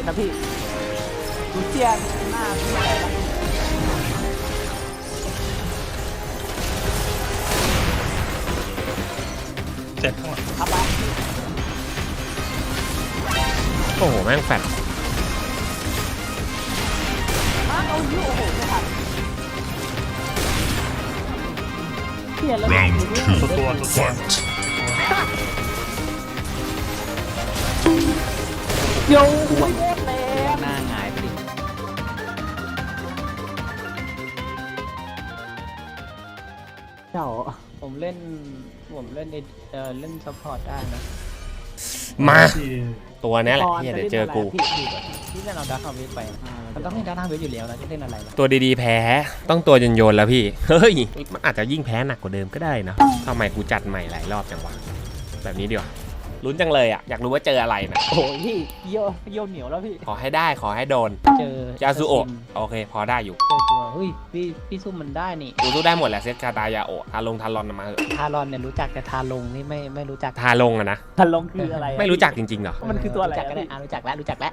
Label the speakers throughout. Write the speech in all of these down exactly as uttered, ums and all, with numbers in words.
Speaker 1: นะพี่ดูเจียนหน้าพี่อะไรนะ
Speaker 2: เจ็บข้างหลัง
Speaker 1: ครับไป
Speaker 3: โอ้โหแม่งแฟด
Speaker 1: มาเอาอยู่โอ้โหไม่ทันเปลี่ยนแล้ว
Speaker 2: ตัวตัวตัวตัว
Speaker 1: เดี๋ยวหัวแรง
Speaker 4: หน้าหงายไปดิ
Speaker 1: เจ้า
Speaker 4: ผมเล่นผมเล่นเอ่อเล่นซัพพอร์ตได้นะ
Speaker 3: มา
Speaker 2: ที่
Speaker 3: ตัวนี้แหละที่เดี๋ยวเจอกู
Speaker 1: พี่พี่
Speaker 4: ที่เล่นเอาดาร์คเวฟไปมันต้องเล่นดาร์คเวฟอยู่แล้วนะจะเล่นอะไรล่ะ
Speaker 3: ตัวดีๆแพ้ต้องตัวโยนๆแล้วพี่เฮ้ยมันอาจจะยิ่งแพ้หนักกว่าเดิมก็ได้นะทำไมกูจัดใหม่หลายรอบจังวะแบบนี้ดีกว่าลุ้นจังเลยอ่ะอยากรู้ว่าเจออะไรนะ
Speaker 1: โอ้ยพี่เยี่ยวเยี่ยวเหนียวแล้วพี่
Speaker 3: ขอให้ได้ขอให้โดน
Speaker 4: เจอย
Speaker 3: าซูโอะโอเคพอได้อยู่
Speaker 4: เจอตัวเฮ้ยพี่พี่ซุ่มมันได้นี่
Speaker 3: กูสู้ได้หมดแหละเซตคาตายาโอะทาลงทารอนมาเถอะ
Speaker 4: ทารอนเนี่ยรู้จักแต่ทาลงนี่ไม่ไม่รู้จัก
Speaker 3: ทาลงอะนะ
Speaker 1: ทันลงคืออะไรอะ
Speaker 3: ไม่รู้จักจริงๆเหรอ
Speaker 1: มันคือตัวอะไร
Speaker 4: รู้จักก็ได้อ่ะรู้จักแล้วรู้จักแล้ว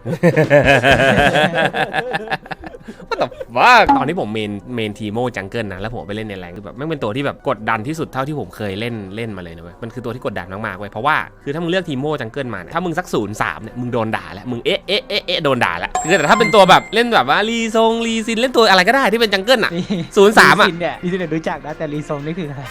Speaker 3: ว่าแต่ว่าตอนที่ผมเมนเมนทีโมจังเกิลนะแล้วผมไปเล่นในแรงคือแบบไม่เป็นตัวที่แบบกดดันที่สุดเท่าที่ผมเคยเล่นเล่นมาเลยนะเว้ยมันคือตัวที่กดดันมากๆเว้ยเพราะว่าคือถ้ามึงเลือกทีโมจังเกิลมาเนี่ยถ้ามึงสักศูนย์สามเนี่ยมึงโดนด่าแล้วมึงเอ๊ะเอ๊ะเอ๊ะเอ๊ะโดนด่าแล้วคือแต่ถ้าเป็นตัวแบบเล่นแบบว่ารีซงรีซินเล่นตัวอะไรก็ได้ที่เป็นจังเกิลอ่ะศูนย์สามอ่ะ
Speaker 4: ลีซินเนี่ยลีซินเนี่ยรู้จักนะแต่รีซงนี่คืออะไร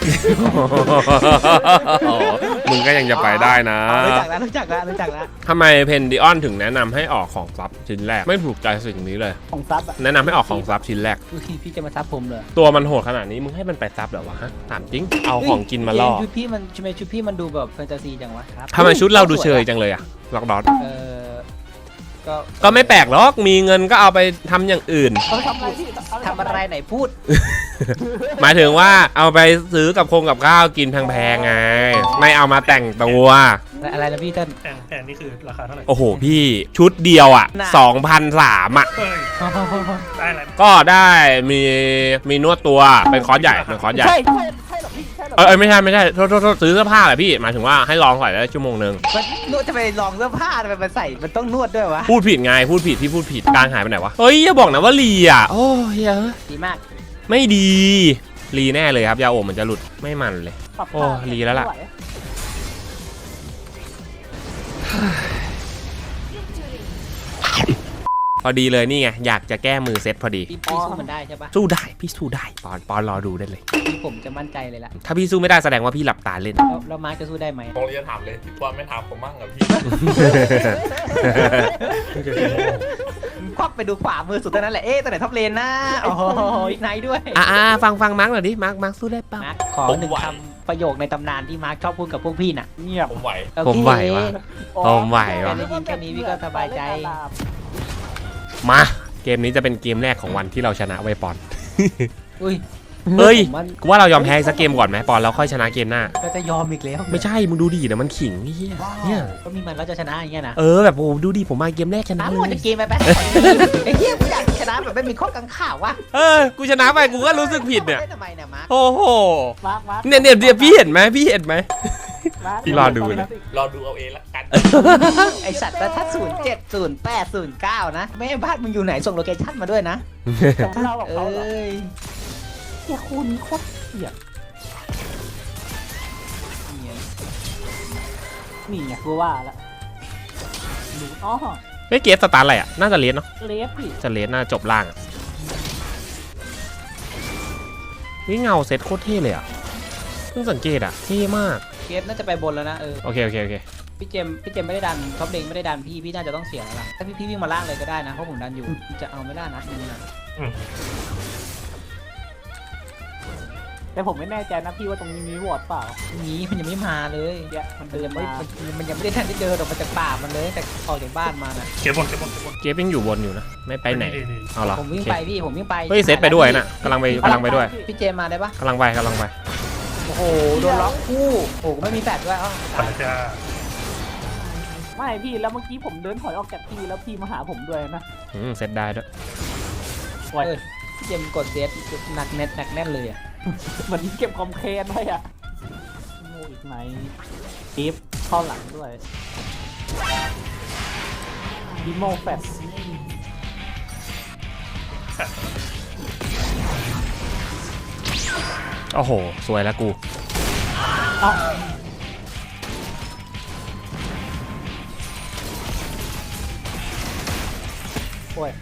Speaker 3: มึงก็ยังจะไปได้นะ
Speaker 4: รู้จักแล้วรู้จักแล้วรู้จักแล้ว
Speaker 3: ทำไมเพนดิออนถึงแนะนำให้ออกของซับชิ้นแรกไม่ถูกใจสิ่งนี้เลย
Speaker 1: ของซับอะ
Speaker 3: แนะนำให้ออกของซับชิ้นแรก
Speaker 4: อุ๊ยพี่จะมาทับผมเลย
Speaker 3: ตัวมันโหดขนาดนี้มึงให้มันไปซับเหรอวะฮะถามจริงเอาของกินมาล่อ
Speaker 4: ชุดพี่มันทำไมชุดพี่มันดูแบบแฟนตาซีจังวะครับ
Speaker 3: ทำไมชุดเราดูเชยจังเลยอะล็อกดอท
Speaker 4: เออก็
Speaker 3: ก็ไม่แปลกหรอกมีเงินก็เอาไปทำอย่างอื่น
Speaker 1: เอาไปทำอะไรพี่เาป
Speaker 4: ทำอะไรไหนพูด
Speaker 3: หมายถึงว่าเอาไปซื้อกับคงกับข้าวกินแพงๆไง ไม่เอามาแต่งตัว
Speaker 4: อะไรนะพี่เต้น
Speaker 2: แพงแพงนี่คือราคาเท่าไหร่
Speaker 3: โอ้โหพี่ชุดเดียวอ่ะ
Speaker 4: น่ะ
Speaker 3: สองพันสามอ่ะ
Speaker 2: เฮ้ยได้อะไร
Speaker 3: ก็ได้มีมีนวดตัวเป็นคอร์สใหญ่เป็นคอร์สใหญ่
Speaker 1: ใช่ใช่ใช่หรอพี่ใช่หรอ
Speaker 3: เออเออไม่ใช่ไม่ใช่โทษโทษโทษซื้อเสื้อผ้าแหละพี่หมายถึงว่าให้ลองใส่ได้ชั่วโมงนึง
Speaker 4: มันนวดจะไปลองเสื้อผ้าทำไมมันใส่มันต้องนวดด้วยวะ
Speaker 3: พูดผิดไงพูดผิดพี่พูดผิดกลางหายไปไหนวะเฮ้ยอย่าบอกนะว่าลีอ่ะโอ้ยเฮ้ย
Speaker 4: ดีมาก
Speaker 3: ไม่ดีลีแน่เลยครับยาโอมันจะหลุดไม่มันเลย
Speaker 1: ปรับ
Speaker 3: โอ้ลีแล้วล่ะ
Speaker 1: ไม่ไห
Speaker 3: พอดีเลยนี่ไงอยากจะแก้มือเซตพอดี
Speaker 4: พี่พี่สู้มันได้ใช่ปะ
Speaker 3: สู้ได้พี่สู้ได้ปอนปอนรอดูได้เลย
Speaker 4: พี่ผมจะมั่นใจเลยล่ะ
Speaker 3: ถ้าพี่สู้ไม่ได้แสดงว่าพี่หลับตาเล่น
Speaker 4: แล้วแล้วมาร์คจะสู้ได้ไหม
Speaker 5: ผมเลยจะถามเลยพี่ปอนไม่ถามผมบ้างเหรอพี่
Speaker 4: ควักไปดูขวามือสุดเท่านั้นแหละเอ๊ะตัวไหนท็อปเลนนะโอ้โหอีกไนท์ด้วย
Speaker 3: อ่าฟังฟังมาร์กหน่อยดิมาร์กมาร์กสู้ได้ป่ะ
Speaker 4: มาร์คขอหนึ่งคำประโยคในตำนานที่มาร์คชอบพูดกับพวกพี่น่ะ
Speaker 1: เงียบ
Speaker 5: ผมไหว
Speaker 4: โอเค
Speaker 3: ผมไหววะ ผมไหว
Speaker 4: แค่
Speaker 3: วะ
Speaker 4: ได้ยินแค่นี้พี่ก็สบายใจ
Speaker 3: มาเกมนี้จะเป็นเกมแรกของวันที่เราชนะไว้ปอน
Speaker 4: อุ้ย
Speaker 3: เฮ้ย
Speaker 4: ผมว่า
Speaker 3: กูว่าเรายอมแพ้สักเกมก่อนไหมปอนแล้วค่อยชนะเกมหน้า
Speaker 4: ก็จะยอมอีกแล้ว
Speaker 3: ไม่ใช่มึงดูดิเดี๋ยวมันขิงเฮียเนี่ย
Speaker 4: ก็มีมันแล้วจะชนะอย่างเงี้ยนะ
Speaker 3: เออแบบโอ้ดูดิผมมาเกมแรกชนะ
Speaker 4: น้ำ
Speaker 3: เล
Speaker 4: หมด
Speaker 3: ย
Speaker 4: จะเกมไปไปไอ้เหี้ยกูอยากชนะแบบไม่มีข้อกังขาวว่ะ
Speaker 3: เออกูชนะไปกูก็รู้สึกผิดเนี่ย
Speaker 4: ทำไมเนี่ยมาร์ค
Speaker 3: โอ้โห
Speaker 1: มาร์คมาร์ค
Speaker 3: เนี่ยเนี่ยเดี๋ยวพี่เห็นไหมพี่เห็นไหม
Speaker 1: มาร์ค
Speaker 3: พี่รอดูนะ
Speaker 5: รอดูเอาเองละกัน
Speaker 4: ไอสัตว์ถ้าศูนย์เจ็ดศูนย์แปดศูนย์เก้านะแม่บ้านมึงอยู่ไหนส่งโลเคชั่นมาด้วยนะ
Speaker 1: ผมเล่ากับ
Speaker 4: เอ
Speaker 1: เขาเหรอ้
Speaker 4: ย
Speaker 1: เฮียคู่นี้โคตรเกลียดนี่ไงกูว่าละดูอ๋อ
Speaker 3: เฮ้ยเกมสตาร์ทอะไรอ่ะน่าจะเลสเนาะ
Speaker 1: เลฟพี่
Speaker 3: จะเลสน่าจบล่างอ่ะนี่เงาเซตโคตรเท่เลยอ่ะเพิ่งสังเกตอ่ะเท่มาก
Speaker 4: เกมน่าจะไปบนแล้วนะเออ
Speaker 3: โอเคโอเคโอเค
Speaker 4: พี่เจมส์พี่เจมส์ไม่ได้ดันท็อปเลงไม่ได้ดันพี่พี่น่าจะต้องเสียแล้วล่ะถ้าพี่พี่วิ่งมาล่างเลยก็ได้นะเพราะผมดันอยู่จะเอาไม่ได้นะนี่นะ
Speaker 1: แต่ผมไม่แน่ใจนะพี่ว่าตรงนี้มีวอร์ดเปล่า
Speaker 4: นี้มันยังไม่มาเลย
Speaker 1: เดี๋ยวมัน
Speaker 4: มัน
Speaker 1: เดิ
Speaker 4: ยั
Speaker 1: น
Speaker 4: ง
Speaker 1: มา
Speaker 4: ไม่มันมันยังไม่ได้ทันได้เจอออกมาจากป่ามันเลยแต่ออกจากบ้านมานะ
Speaker 2: เก็บบนเก็บบนเก็บบน
Speaker 3: เกมยังอยู่บนอยู่นะไม่ไปไหนเอาเหรอ
Speaker 4: ผมวิ่ง
Speaker 3: โอเค
Speaker 4: ไปพี่ผมวิ่งไป
Speaker 3: เฮ้ยเซตไปด้วยน่ะกำลังไปกำลังไปด้วย
Speaker 4: พี่เจมส์มาได้ปะ
Speaker 3: กำลังไปกำลังไป
Speaker 4: โอ้โหโดนล็อกคู่โอ้โหไม่มีแฟดด้วยอ้าว
Speaker 2: ปัญญา
Speaker 1: ไม่พี่แล้วเมื่อกี้ผมเดินถอยออกจากพี่แล้วพี่มาหาผมด้วยนะ
Speaker 3: อืมเซตได้ด้วย
Speaker 1: โอ้ย
Speaker 4: เออพี่เจมส์กดเซตหนักแน่นหนักแน่นเลยอ่ะ
Speaker 1: เหมือนเก็บคอมเคนไว้อะโง่อีกไหมอีฟเข้าหลังด้วยดิโมแฟต
Speaker 3: โอ้โหสวยแล้วกู
Speaker 1: เอ้าโอ้ย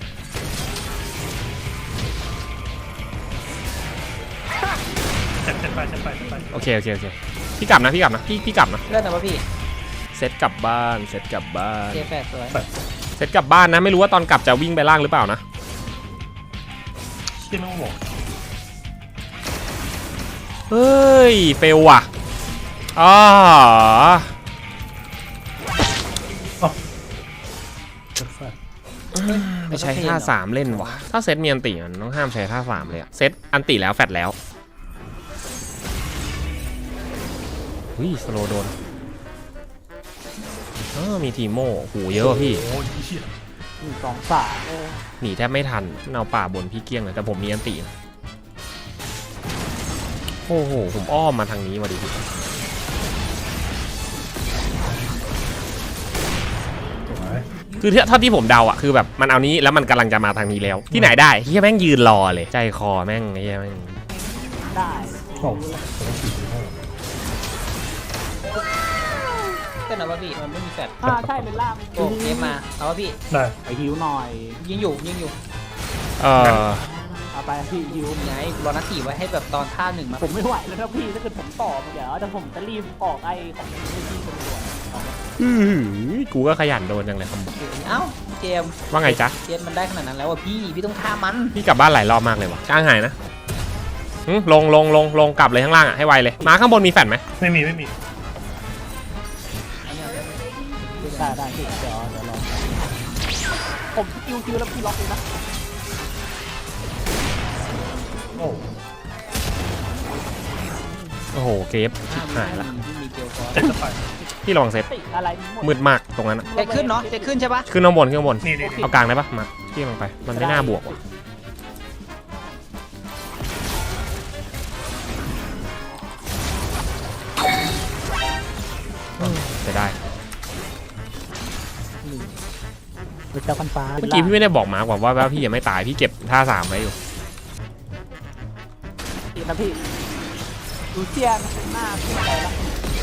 Speaker 2: เซ็ตเซ็ตไปเซ็ตไปเซ็ตไป
Speaker 3: โอเคโอเคโอเคพี่กลับนะพี่กลับนะพี่พี่กลับนะ
Speaker 4: เลื่อนนะวะพี่
Speaker 3: เซตกลับบ้านเซตกลับบ้าน
Speaker 4: เจแปดสวย
Speaker 3: เซตกลับบ้านนะไม่รู้ว่าตอนกลับจะวิ่งไปล่างหรือเปล่านะ
Speaker 2: ที่ไม่ต้องบอก
Speaker 3: เฮ้ยเฟลว่ะอ๋อ
Speaker 2: เซ็ตไฟ
Speaker 3: ไม่ใช้ท่าสามเล่นว่ะถ้าเซตมีอันติมันต้องห้ามใช้ท่าสามเลยอะเซตอันติแล้วแฟดแล้ววิสโลโดนเออมีทีโม่โหเยอะว่ะพี่
Speaker 2: โอ้ยเหี้ย
Speaker 1: หนึ่งสองสามโอ้
Speaker 3: หนีแทบไม่ทันมันเอาป่าบนพี่เกี้ยงเลยแต่ผมมีอันตินะโอ้โหผมอ้อมมาทางนี้มาดิพี่
Speaker 2: สวย
Speaker 3: คือเท่าที่ผมเดาอ่ะคือแบบมันเอานี้แล้วมันกำลังจะมาทางนี้แล้วที่ไหนได้เฮียแม่งยืนรอเลยใจคอแม่งเฮียแม่ง
Speaker 1: ได้
Speaker 2: โอ้โหผมต้องฉีดโม่
Speaker 4: เลื่อนนะวะพี่มันไม่มีแฟด
Speaker 1: อ่าใช่เป็นล่าง
Speaker 4: โอ้เกมมาเอาวะพี่
Speaker 2: ได้
Speaker 1: ไปฮิวหน่อย
Speaker 4: ยิงอยู่ยิงอยู่
Speaker 3: เออ
Speaker 1: เอาไปพี่ฮิว
Speaker 4: ไงรอนัดสี่ไว้ให้แบบตอนท่าหนึ่งมา
Speaker 1: ผมไม่ไหวแล้วนะพี่ถ้าเกิดผมต่อเดี๋ยวแต่ผมจะรีบออกไอ้ของพี่ตำรวจ
Speaker 3: อื้อหือกูก็ขยันโดนจังเลยครับ
Speaker 4: เอ้าเจม
Speaker 3: ว่าไงจ๊ะ
Speaker 4: เจมมันได้ขนาดนั้นแล้วอ่ะพี่พี่ต้องท่ามัน
Speaker 3: พี่กลับบ้านหลายรอบมากเลยว่ะจ้างหายนะหึลงลงลงลงกลับเลยข้างล่างอ่ะให้ไวเลยมาข้างบนมีแฟดไหม
Speaker 2: ไม่มีไม่มี
Speaker 1: ได้ได้พี่เดี๋ยวเดี๋ยวรอผมคิวคิวแล้วพี่ล็อกเลยนะ
Speaker 2: โอ้
Speaker 3: โอ้โหเกฟชิบหายละ
Speaker 4: พี่มีเจลฟอส
Speaker 2: เซ็ตไป
Speaker 3: พี่ระวังเซต
Speaker 1: ติอะไรหมด
Speaker 3: มืดมากตรงนั้นอะ
Speaker 4: เจ็ดขึ้นเนาะเจ็ดขึ้นใช่ปะ
Speaker 3: ขึ้นข้างบนขึ้นข้างบน
Speaker 2: นี่นี่นี่
Speaker 3: เอากลางได้ปะมาพี่ลงไปมันไม่น่าบวกว่ะจะได้
Speaker 1: เป็นเจ้าพันฟ้า
Speaker 3: เมื่อกี้พี่ไม่ได้บอกมาร์กว่าว่าพี่ยังไม่ตายพี่เก็บท่าสามไว้อยู่
Speaker 1: นะพี่ดูเชียนหน้าพี่อะไรละ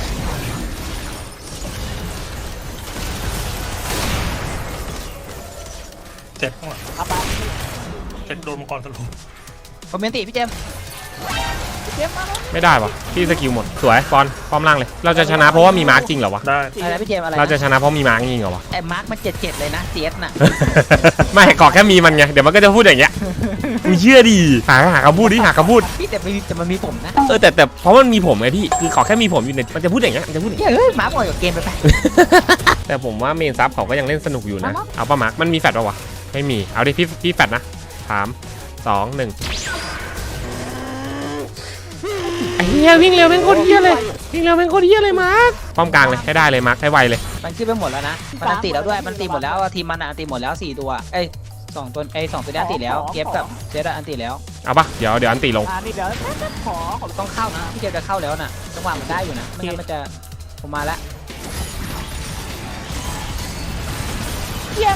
Speaker 2: เซ็ตข้างหลัง
Speaker 1: เอาไป
Speaker 2: เซ็ตโดนมังกรสรุป
Speaker 4: ผมเมนติพี่เจม
Speaker 1: เจ็บมาแล้ว
Speaker 3: ไม่ได้วะพี่สกิลหมดสวยบอลพร้อมล่างเลย เราจะชนะเพราะว่ามีมาร์กจริงเหรอวะ
Speaker 2: ได้
Speaker 4: อะไรนะพี่เจมอะไร
Speaker 3: เราจะ
Speaker 4: นะ
Speaker 3: ชนะเพราะมีมาร์กจริงเหรอวะ
Speaker 4: ไอ้มาร์คมันเจ็ดเจ็ดเลยนะเซียสน่ะ
Speaker 3: ไม่กอกแค่มีมันไงเดี๋ยวมันก็จะพูดอย่างเงี้ยมึงเชื่อดิหาหาคำพูดดิหาคำพูด
Speaker 4: พี่แต่ไม่มีแต่มันมีผมนะ
Speaker 3: เออแต่แต่เพราะมันมีผมไงพี่คือขอแค่มีผมอยู่ในมันจะพูดอย่างเงี้ยมันจะพูดอย่างเงี้ย
Speaker 4: เฮ้ยมาร์คบ่อยกว่าเกมไปไป
Speaker 3: แต่ผมว่าเมนซับเขาก็ยังเล่นสนุกอยู่นะเอาป่ะมาร์กมันมีแฟดป่ะวะไม่มีเอาดิพี่พี่แฟดนะสามสองหนึ่งไอ้เหี้ยวิ่งเร็วแม่งโคตรเหี้ยเลยวิ่งเร็วแม่งโคตรเหี้ยเลยมาร์กป้อมกลางเลยให้ได้เลยมาร์กให้ไวเลย
Speaker 4: มันขึ้นไปหมดแล้วนะมันอันติแล้วด้วยมันตีหมดแล้วทีมมันอันติหมดแล้วสี่ตัวเอ้ยสองตัวไอ้สองตัวนี้อันติแล้วเก็บกับเจดอันติแล้ว
Speaker 3: เอาป่ะเดี๋ยวเดี๋ยวอันตีลง
Speaker 1: อ่านี่เดี๋ยวขอขอ
Speaker 4: ต้องเข้านะพี่เจมจะเข้าแล้วน่ะจังหวะมันได้อยู่นะไม่งั้นมันจะผมมาแล้ว
Speaker 1: เชียน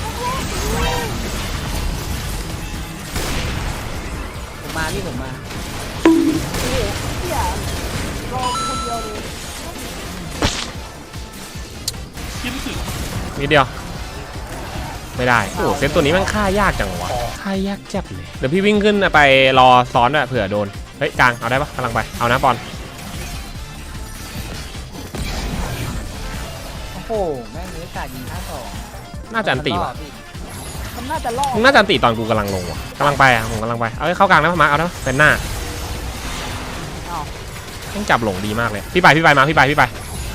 Speaker 4: ผมมาพี่ผมมา
Speaker 1: เชียรอคนเดียวเลย
Speaker 2: ยิ้มถึง
Speaker 3: นิดเดียวไม่ได้โอ้โหเซตตัวนี้มันฆ่ายากจังวะฆ่ายากจับเลยเดี๋ยวพี่วิ่งขึ้นไปรอซ้อนด้วยเผื่อโดนเฮ้ยกลางเอาได้ปะกำลังไปเอานะบอล
Speaker 4: โอ้โหแม่งเนื้อขาดยิงท่าสอง
Speaker 3: น่าจะอันตีว่ะ
Speaker 1: มันน่าจะล่อ
Speaker 3: มึงน่าจะอันตีตอนกูกำลังลงว่ะกำลังไปอ่ะผมกำลังไปเอาให้เข้ากลางได้ปะมาเอาได้ปะเป็นหน้า
Speaker 1: อ้าว
Speaker 3: ต้องจับหลงดีมากเลยพี่ไปพี่ไปมาพี่ไปพี่ไป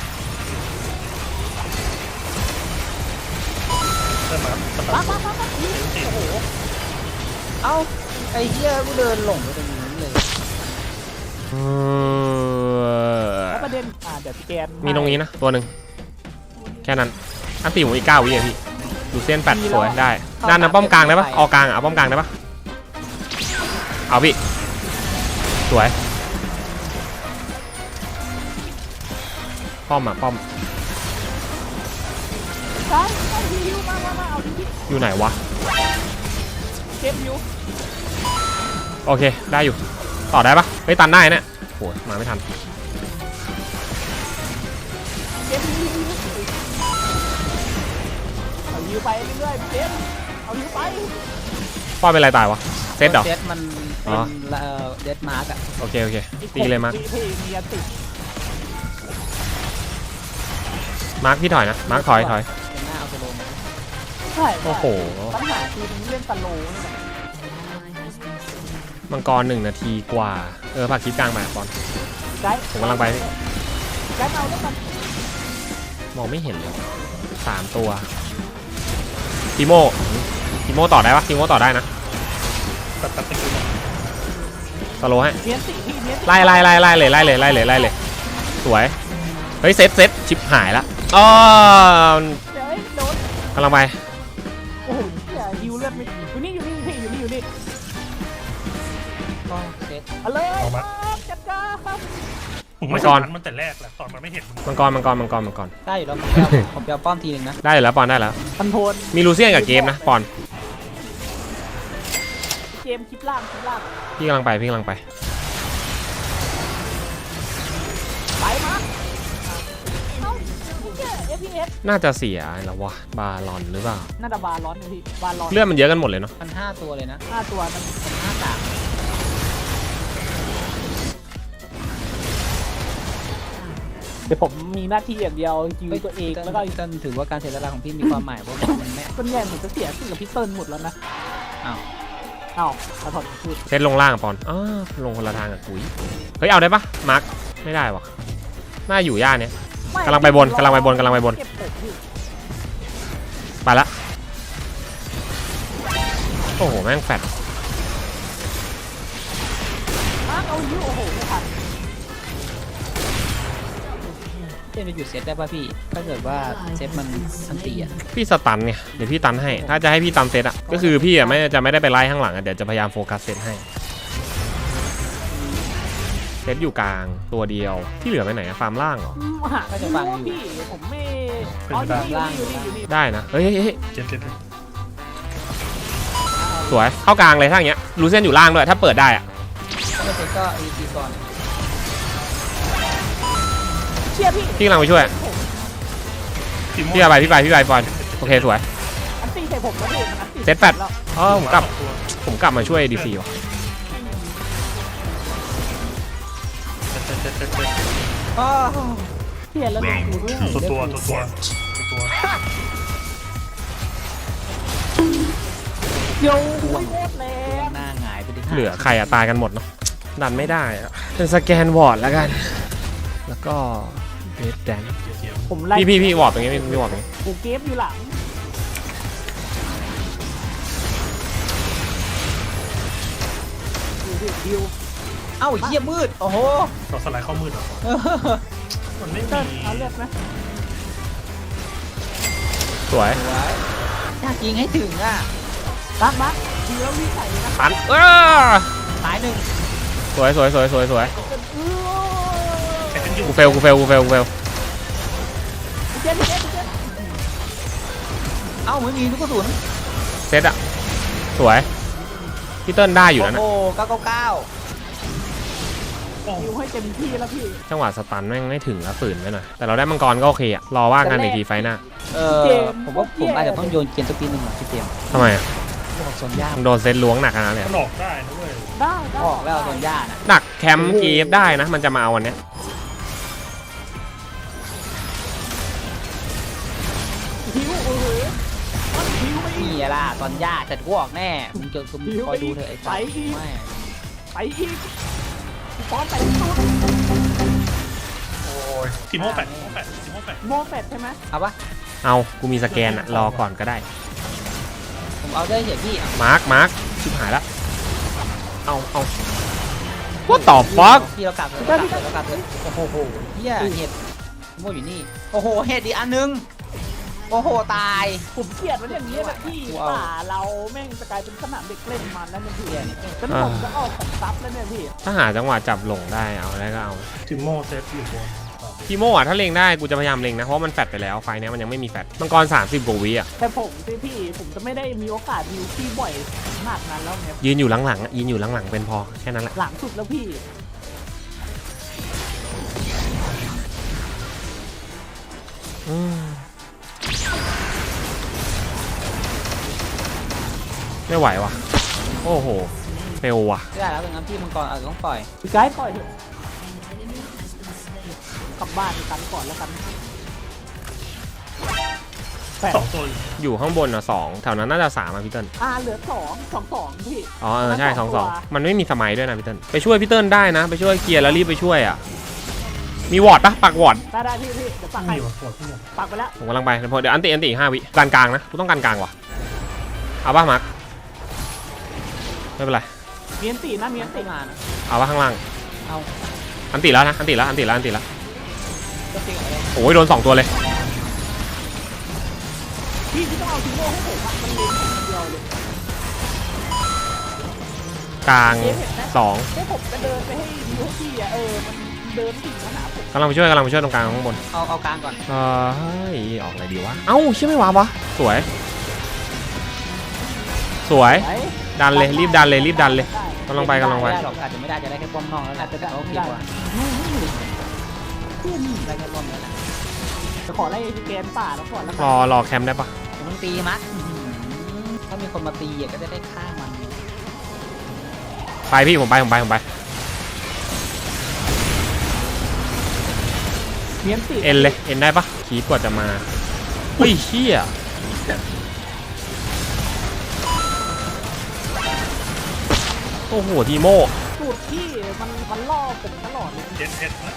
Speaker 2: เริ่มมาสตา
Speaker 1: มา
Speaker 2: ร์ท
Speaker 1: มามามา
Speaker 2: เซ็ตสี่
Speaker 1: โอ้โห
Speaker 4: เอ้าไอ้เหี้ยกูเดินหลงไปตรงนี้เลย
Speaker 3: เออ
Speaker 1: แล้วประเด็นอ่าเดี๋ยวพี่แกน
Speaker 3: มีตรงนี้นะตัวหนึ่งแค่นั้นอันตีผมอีกเก้าวิอ่ะพี่ดูเส้นแปดสวยได้ด้านน้ำป้อมกลางได้ปะออกกลางอ่ะเอาป้อมกลางได้ปะเอาพี่สวยป้อมอ่ะป้อม
Speaker 1: ใช่ใช่ฮิวมามามาเอาดิพี่
Speaker 3: อยู่ไหนวะ
Speaker 1: เกมฮิว
Speaker 3: โอเคได้อยู่ต่อได้ปะเฮ้ยตันได้เนี่ยโหมาไม่ทัน
Speaker 1: เกมฮิวฮิวเอาฮิวไปเรื่อยๆเกมเอาฮิวไป
Speaker 3: ป้อนเป็นไรตายวะเซตเหรอ
Speaker 4: เซตมัน
Speaker 3: อ๋
Speaker 4: เป็
Speaker 3: อ
Speaker 4: นเอ่อเดดมาร์กอะ
Speaker 3: โอเคโอเคตีเลยมาร์ค
Speaker 1: พี่มีอันติด
Speaker 3: มาร์คพี่ถอยนะมาร์คถอยถอย
Speaker 4: เป็นหน้าเอาไปลง
Speaker 1: ใช่
Speaker 3: โอ้โห
Speaker 1: ปัญหาคือมันเล่นตะโลนี่แหละ
Speaker 3: มังกรหนึ่งนาทีกว่าเออผักคลิปกลางมาบอล
Speaker 1: ไกด์
Speaker 3: ผมกำลังไปนี่
Speaker 1: ไกด์เอาแล้วกัน
Speaker 3: มองไม่เห็นเลยสามตัวทีโมทีโมต่อได้ปะทีโมต่อได้นะ
Speaker 2: ตัดตัดติดอยู่
Speaker 3: สโลว์ให้
Speaker 1: เนียนติพี่เนียนติ
Speaker 3: ไล่ไล่ไล่ไล่เลยไล่เลยไล่เลยไล่เลยสวยเฮ้ยเซตเซตชิปหายละอ๋อ
Speaker 1: เดี๋ยวไอ้โดน
Speaker 3: กำลังไป
Speaker 1: โอ้โหเหี้ยฮิวเลือดไม่อยู่นี่อยู่นี่พี่อยู่นี่อยู่นี่
Speaker 4: ก็เซต
Speaker 1: เอาเลยครับจัดการครับ
Speaker 2: ผมไม่สนมันแต่แรกแหละตอนมันไม่เห็นมึง
Speaker 3: มังกรมังกรมังกรมังกร
Speaker 4: ได้อยู่แล้วผมจะเอาผมจะเอาป้อมทีหนึ่งนะ
Speaker 3: ได้อยู่แล้วปอนได้แล้ว
Speaker 1: คอนโทรล
Speaker 3: มีลูเซียนกับเกมนะปอน
Speaker 1: เกมคลิปล่างคลิปล่าง
Speaker 3: พี่กำลังไปพี่กำลังไป
Speaker 1: ไปมาเอ้าเหี้ย เอฟ พี เอส
Speaker 3: น่าจะเสียแล้ววะบาลอนหรือเปล่า
Speaker 1: น่าจะบาร้อนอยู่พี่บาร้อน
Speaker 3: เลือดมันเยอะกันหมดเลยเนาะ
Speaker 4: มันห้าตัวเลยนะ
Speaker 1: ห้าตัวมัน
Speaker 4: มันห้าสาม
Speaker 1: เดี๋ยวผมมีหน้าที่อย่างเดียวคิวตัวเองแล้วก็
Speaker 4: ก็ถือว่าการเสียสละของพี่มีความหมายเพราะมันไม่
Speaker 1: คนใหญ่เหมือนจะเสียขึ้นกับพี่เติ้ลหมดแล้วนะ
Speaker 4: อ้าว
Speaker 1: อ้าวขอโทษพูด
Speaker 3: เซตลงล่างอะปอนอ้าวลงคนละทางกับปุ๋ยเฮ้ยเอาได้ปะมาร์คไม่ได้วะน่าอยู่ย่านเนี้ย
Speaker 1: ม่
Speaker 3: กำลังไปบนกำลังไปบนกำลังไปบน
Speaker 1: เก็บผมพี่
Speaker 3: ไปละโอ้โหแม่งแฟด
Speaker 1: มาร์คเอาฮิวโอ้โหไม่ทัน
Speaker 4: เจนไปหยุดเซตได้ป่ะพี่ ถ้าเกิดว่าเซตมันอันตีอะ
Speaker 3: พี่สตันเนี่ยเดี๋ยวพี่ตันให้ถ้าจะให้พี่ตันเซตอะก็คือพี่อะไม่จะไม่ได้ไปไล่ข้างหลังอะเดี๋ยวจะพยายามโฟกัสเซตให้เซตอยู่กลางตัวเดียวที่เหลือไปไหนอะฟาร์มล่างเหรอ
Speaker 1: อืมหาไม่รู้ว่าพี่ผมไม่อ๋ออยู่นี่อยู่นี่อยู่นี่
Speaker 3: ได้นะเฮ้ยเฮ้ยเฮ้ย
Speaker 2: เจ็ดเจ็ดเจ็ด
Speaker 3: สวยเข้ากลางเลยถ้าอย่างเงี้ยลูเซียนอยู่ล่างด้วยถ้าเปิดได้อะ
Speaker 4: ถ้าไม่เซตก็ไอทีก่อน
Speaker 1: เชียร์พี่
Speaker 3: พี่กำลังไปช่วย
Speaker 2: ทีม
Speaker 3: พี่ไปพี่ไปพี่ไปบอลโอเคสวย
Speaker 1: อันตีใส่ผมแล้วพี่มันอันตี
Speaker 3: เซตแปด
Speaker 1: แล้ว
Speaker 3: อ๋อผมกลับผมกลับมาช่วยดีซีว่ะ
Speaker 2: เจ็ดเจ็ดเจ็ดเจ็ดเจ็ด
Speaker 4: อ้าว
Speaker 1: เชียร์แล้วดูด้วย
Speaker 2: ตัวตัวตัวตัวตัว
Speaker 1: โย่โคตรแรง
Speaker 4: หน้าหงายไปดิ
Speaker 3: เหลือใครอะตายกันหมดเนาะดันไม่ได้อะเป็นสแกนวอร์ดแล้วกันแล้วก็เบสแดน
Speaker 2: เสียง
Speaker 1: ผมไล่
Speaker 3: พี่พี่พี่วอร์ดตรงนี้พี่วอร์ดตรงนี้
Speaker 1: กูเกฟอยู่หลังดูดิดิว
Speaker 4: เอ้าเหี้ยมืด โอ้โห
Speaker 2: ต่อสไลด์เข้ามืดเหรอมันไม่
Speaker 1: เติ้ล
Speaker 2: มี
Speaker 1: เอาเลือดไหม
Speaker 3: สวย
Speaker 4: สวยอยากยิงให้ถึงอ่ะ
Speaker 1: มาร์คมาร์คดิวแล้ววิ่งใส่เลยนะ
Speaker 3: ตันเออ
Speaker 4: ตายหนึ่ง
Speaker 3: สวยสวยสวยสวยสวย
Speaker 1: เออ
Speaker 2: ใช้เป็นอยู่
Speaker 3: กูเฟลกูเฟลกูเฟลกูเฟล
Speaker 1: เจ็ดเจ็ดเจ็ด
Speaker 4: เอ้าไม่มีลูกกระสุน
Speaker 3: เซตอะสวยพี่เติ้ลได้อยู่แล้วนะ
Speaker 4: โอ้เก้าเก้าเก้า
Speaker 1: ดิวให้เต็มที่แล้วพี่
Speaker 3: จังหวะสตันแม่งไม่ถึงแล้วฝืนไปหน่อยแต่เราได้มังกรก็โอเคอะรอว่ากันในทีไฟหน้า
Speaker 4: เออผมว่าผมอาจจะต้องโยนเกมสักทีหนึ่งหน่อยพี่เตรียม
Speaker 3: ทำไมอะ
Speaker 4: บอกโซนย่า
Speaker 3: มันโดนเซตล้วงหนักขนาดนั้นเลย
Speaker 2: มันออกได้นะเว้ย
Speaker 1: ได้ได้
Speaker 4: ออกแล้วโซนย่าน่ะ
Speaker 3: หนักแคมป์กีฟได้นะมันจะมาเอาวันเนี้ย
Speaker 1: ดิวเออดิวไม่
Speaker 4: นี่ล่ะตอนย่าแต่กูออกแน่มึงจะมึงคอยดูเถอะไอ้สัสไม่
Speaker 1: ไปอีกป้อนไปสุด
Speaker 2: โอ้ยทีมโม่แปดทีมโม่แปดทีมโม่แปด
Speaker 1: โมแฟดใช่ไหม
Speaker 4: เอาปะ
Speaker 3: เอากูมีสแกนอะรอก่อนก็ได้
Speaker 4: ผมเอาได้เฉยพี่
Speaker 3: มาร์คมาร์คชิบหายละเอาเอาว่าต่อฟัก
Speaker 4: พี่เรากลับเลยเรากลับเลยเรากลับเลยโอ้โหเฮียเห็ดโม่อยู่นี่โอ้โหเห็ดอีกอันนึงโอ้โหตาย
Speaker 1: ผมเกลียดมันอย่างนี้นะพี่ป่าเราแม่งจะกลายเป็นสนามเด็กเล่นมันแล้วเนี่ยพี่แล้วผมจะออกของซับแล้วเนี่ยพี่
Speaker 3: ถ้าหาจังหวะจับหลงได้เอาได้ก็เอา
Speaker 2: ทีมโม่เซฟอยู่บนต่อไป
Speaker 3: ทีโม่อะถ้าเลงได้กูจะพยายามเลงนะเพราะมันแฟดไปแล้วไฟเนี้ยมันยังไม่มีแฟดมังกรสามสิบกว่าวิอ่ะ
Speaker 1: แต่ผมพี่พี่ผมจะไม่ได้มีโอกาสดิวที่บ่อยขนาดนั้นแล้วไง
Speaker 3: ยืนอยู่หลังๆอะยืนอยู่หลังๆเป็นพอแค่นั้นแหละ
Speaker 1: หลังสุดแล้วพี่
Speaker 3: อืมไม่ไหวว่ะโอ้โหเฟลว่ะ
Speaker 4: ไม่ได้แล้วเป็นงั้นพี่มังกรอาจจะต้องปล่อย
Speaker 1: พี่ไกด์ปล่อยเถอะกลับบ้านกันก่อนแล้วกันแปด
Speaker 2: สองตัวอยู่
Speaker 3: อยู่ข้างบนอ่ะสองแถวนั้นน่าจะสามอ่ะพี่เติ้ล
Speaker 1: อ่าเหลือสองสองสองพี่
Speaker 3: อ๋อเออใช่สองสอง
Speaker 1: ตัว
Speaker 3: มันไม่มีสมัยด้วยนะพี่เติ้ลไปช่วยพี่เติ้ลได้นะ ไปช่วยเคลียร์แล้วรีบไปช่วยอ่ะมีวอร์ดปะปักวอร์ด
Speaker 1: ได้ได้พี่พี่เดี๋ยวปักให้
Speaker 2: นี่ว่ะปวดที่เนี่ย
Speaker 1: ปักไปแล้ว
Speaker 3: ผมกำลังไปเดี๋ยวอันติอันติอีกห้าวิกลางกลางๆนะกูต้องการกลางว่ะเอาป่ะมาร์คไม่เป็นไร
Speaker 1: เมียนตีนะเมียนตี
Speaker 4: ไม่มานะ
Speaker 3: เอาป่ะข้างล่าง
Speaker 4: เอา
Speaker 3: อันติแล้วนะอันติแล้วอันติแล้วอันติแล้ว
Speaker 4: ก็จริงอะไร
Speaker 3: โอ้ยโดนสองตัวเลย
Speaker 1: พี่ที่ต้องเอาทีโม่ให้ผมอะมันเลี้ยงคนเดียวเลย
Speaker 3: กลาง
Speaker 1: เจ๊เห็นไหม
Speaker 3: สอง
Speaker 1: ให้ผมจะเดินไปให้ดิวให้พี่อะเออมันเดินถึงขนาดผม
Speaker 3: กำลังไปช่วยกำลังไปช่วยตรงกลางข้างบน
Speaker 4: เอาเอากลางก่อน
Speaker 3: เฮ้ยออกอะไรดีวะเอ้าเชื่อไม่วาวะสวย สวย
Speaker 1: ไหน
Speaker 3: ดันเลยรีบดันเลยรีบดันเลย
Speaker 1: ได้
Speaker 3: กำลังไปกำลังไป
Speaker 4: ไม่ได้หรอกอาจจะไม่ได้จะได้แค่ป้อมนอกแล้วแหละแต่โอเคกว่าได้แค่ป้อมแล้วแหละ
Speaker 1: จะขอไล่สแกนป่าแล้วก่อนแล้ว
Speaker 3: รอรอแคมป์ได้ปะ
Speaker 4: มันตีมัดอื้อหือถ้ามีคนมาตีอ่ะก็จะได้ฆ่ามัน
Speaker 3: ไปพี่ผมไปผมไปผมไป
Speaker 1: เมียนตี
Speaker 3: เอ็นเลยเอ็นได้ปะคีบกว่าจะมาเฮ้ยเชี่ยโอ้โหทีโม่
Speaker 1: สูตรพี่มันมันล่อผมตลอดเลย
Speaker 2: เจ็ดเอ็ดนะ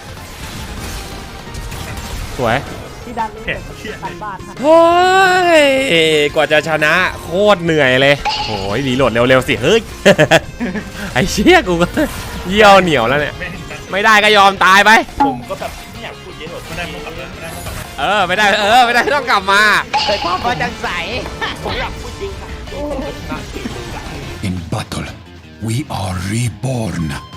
Speaker 3: สวย
Speaker 1: พี่ดันเลยกันบ้านฮะ
Speaker 3: เฮ้ยกว่าจะชนะโคตรเหนื่อยเลยโอ้ยรีโหลดเร็วๆสิเฮ้ย ไอ้เชี่ยกูก็เยี่ยวเหนียวแล้วเนี่ย
Speaker 2: ไม่เห็นกัน
Speaker 3: ไม่ได้ก็ยอมตายไป
Speaker 5: ผมก็แบบไม่อยากพูดเยอะหรอก
Speaker 2: ไม่ได้พวกกลับเลยไม่ได้พวกกลับมา
Speaker 3: เออไม่ได้เออไม่ได้ต้องกลับมา
Speaker 4: เคยความว่าจังใส
Speaker 5: ผมอยากพูดจริงอะผมชนะสี่หนึ่งอะ
Speaker 6: In battle, we are reborn.